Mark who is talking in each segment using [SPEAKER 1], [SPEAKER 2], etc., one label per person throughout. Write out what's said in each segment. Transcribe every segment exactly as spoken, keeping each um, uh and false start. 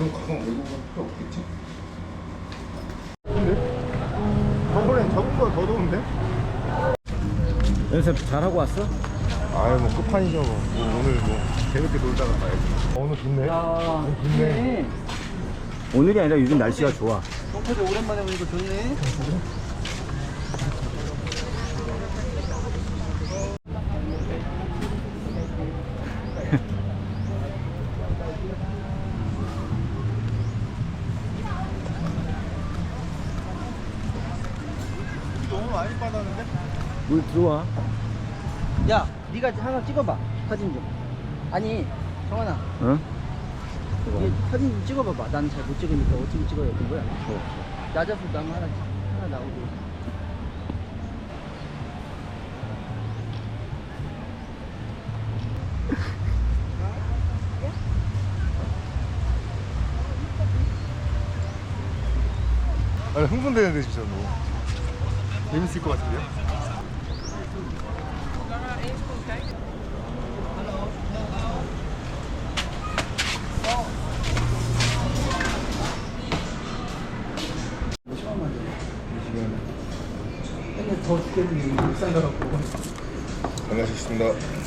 [SPEAKER 1] 그럼 가방 메고 갈 필요 없겠지? 근데? 저번엔 저번보다 더 더운데?
[SPEAKER 2] 연습 잘하고 왔어?
[SPEAKER 1] 아유 뭐 끝판이죠 뭐. 뭐 오늘 뭐 재밌게 놀다가 가야지. 어, 오늘 좋네.
[SPEAKER 3] 야,
[SPEAKER 1] 어, 좋네.
[SPEAKER 2] 오늘이 아니라 요즘 날씨가 좋아.
[SPEAKER 3] 똥파도 오랜만에 보니까 좋네.
[SPEAKER 1] 너무 많이 받았는데?
[SPEAKER 2] 물 들어와.
[SPEAKER 3] 야, 네가 하나 찍어봐. 사진 좀. 아니, 정환아.
[SPEAKER 2] 응?
[SPEAKER 3] 이게 사진 좀 찍어봐봐. 난 잘 못 찍으니까 어떻게 찍어야 되는 거야? 낮아서 남 하나, 하나 나오고.
[SPEAKER 1] 아니 흥분되는데 진짜 뭐 재밌을 것 같은데요?
[SPEAKER 3] 맨날 더 죽겠는데 울산 가갖고.
[SPEAKER 1] 반갑습니다.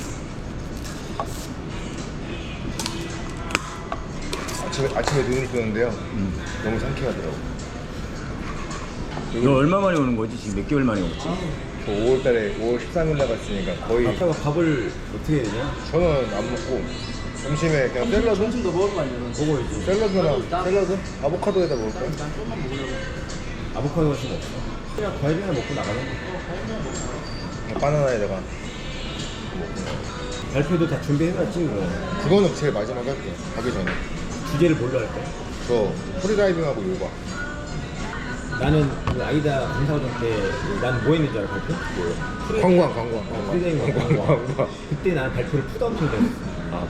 [SPEAKER 1] 아침에, 아침에 눈을 뜨는데요. 음. 너무 상쾌하더라고.
[SPEAKER 2] 너 얼마 만에 오는 거지? 지금 몇 개월 만에 오지?
[SPEAKER 1] 저 오월달에 오월 십삼일 나갔으니까 거의.
[SPEAKER 2] 아빠가 밥을 어떻게 해야 되냐?
[SPEAKER 1] 저는 안 먹고 점심에 그냥 샐러드?
[SPEAKER 3] 점심도 먹을 거 아니야?
[SPEAKER 2] 먹어야지.
[SPEAKER 1] 샐러드나 샐러드? 아보카도에다 먹을 거야?
[SPEAKER 3] 난 조금만 먹으려고.
[SPEAKER 2] 아보카도 같은 거 없어. 그냥 과일이나 먹고 나가는 거.
[SPEAKER 1] 바나나에다가.
[SPEAKER 2] 발표도 다 준비해놨지 뭐.
[SPEAKER 1] 그거는 제일 마지막에 할게요. 가기 전에.
[SPEAKER 2] 주제를 뭘로 할 거야?
[SPEAKER 1] 저 프리다이빙하고 요가.
[SPEAKER 2] 나는 그 아이다 강사과정 때 난 뭐 했는 줄 알아 발표? 뭐요?
[SPEAKER 1] 관광 관광.
[SPEAKER 2] 어, 프리다이빙 관광. 그때 난 발표를 푸다 엄청 잘했어. 아.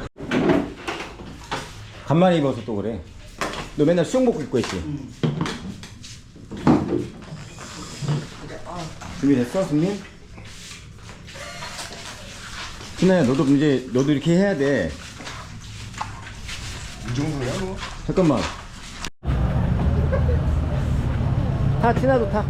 [SPEAKER 2] 간만에 입어서 또 그래. 너 맨날 수영복 입고 했지?
[SPEAKER 3] 응.
[SPEAKER 2] 준비됐어, 승민? 신아야, 너도 이제 너도 이렇게 해야 돼.
[SPEAKER 1] 이 정도야 뭐?
[SPEAKER 2] 잠깐만. 타, 티나도 타.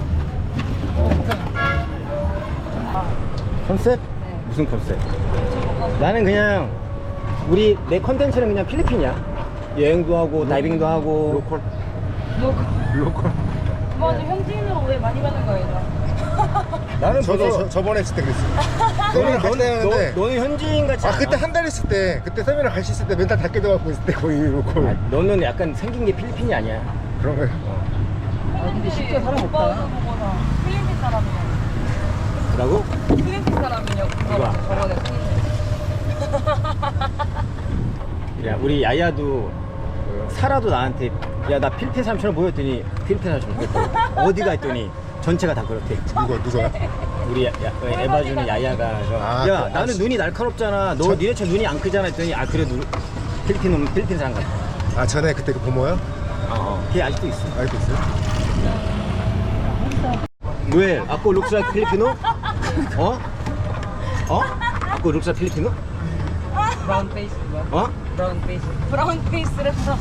[SPEAKER 2] 컨셉?
[SPEAKER 4] 네.
[SPEAKER 2] 무슨 컨셉? 나는 그냥 우리 내 컨텐츠는 그냥 필리핀이야. 여행도 하고 다이빙도 하고.
[SPEAKER 1] 로컬.
[SPEAKER 4] 너
[SPEAKER 1] 로컬.
[SPEAKER 4] 맞아, 현지인으로 오해 많이 받는 거예요.
[SPEAKER 2] 나는
[SPEAKER 1] 저도
[SPEAKER 2] 벌써-
[SPEAKER 1] 저, 저번에 했을 때 그랬어요.
[SPEAKER 2] 너는
[SPEAKER 1] 세미나 같이
[SPEAKER 2] 너는
[SPEAKER 1] 다녔는데.
[SPEAKER 2] 너, 너는 현지인 같지
[SPEAKER 1] 아
[SPEAKER 2] 않아.
[SPEAKER 1] 그때 한 달 했을 때 그때 세미나 같이 있을 때 멘탈 다 깨져갖고 있을 때 거의 로컬.
[SPEAKER 2] 아, 너는 약간 생긴 게 필리핀이 아니야.
[SPEAKER 1] 그런 거예요.
[SPEAKER 4] 아,
[SPEAKER 3] 근데 쉽게 사람 없다.
[SPEAKER 4] 오빠도 보고서 필리핀 사람이냐고.
[SPEAKER 2] 뭐라고?
[SPEAKER 4] 필리핀 사람이냐고.
[SPEAKER 2] 누가?
[SPEAKER 4] 저번에
[SPEAKER 2] 야, 우리 야야도 사라도 나한테 야, 나 필리핀 사람처럼 보였더니 필리핀 사람처럼 보였더니 어디가 했더니 전체가 다 그렇대.
[SPEAKER 1] 누가 누가요?
[SPEAKER 2] 우리 야, 야, 에바주는 야야가 저,
[SPEAKER 1] 아,
[SPEAKER 2] 야
[SPEAKER 1] 그,
[SPEAKER 2] 나는
[SPEAKER 1] 아,
[SPEAKER 2] 눈이 날카롭잖아. 너
[SPEAKER 1] 저-
[SPEAKER 2] 니네처럼 눈이 안 크잖아 했더니 아 그래 누 필리핀 놈은 필리핀 사람 같아.
[SPEAKER 1] 아 전에 그때 그 보모요?
[SPEAKER 2] 어, 어. 걔 아직도 있어.
[SPEAKER 1] 알고 있어요?
[SPEAKER 2] 왜? 아까 룩스 라이크 필리피노? 어? 어? 아까 룩스 라이크 필리피노?
[SPEAKER 4] 브라운 페이스.
[SPEAKER 2] 어?
[SPEAKER 4] 브라운 페이스. 브라운 페이스라서.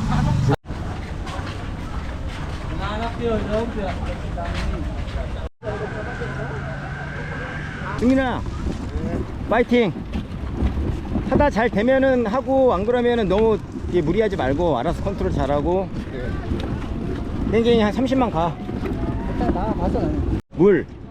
[SPEAKER 2] 승민아 파이팅. 하다 잘 되면은 하고 안 그러면은 너무 이게 무리하지 말고 알아서 컨트롤 잘하고. 땡땡이 한 삼십만 가.
[SPEAKER 3] 일단 나와봐서 나는.
[SPEAKER 2] 물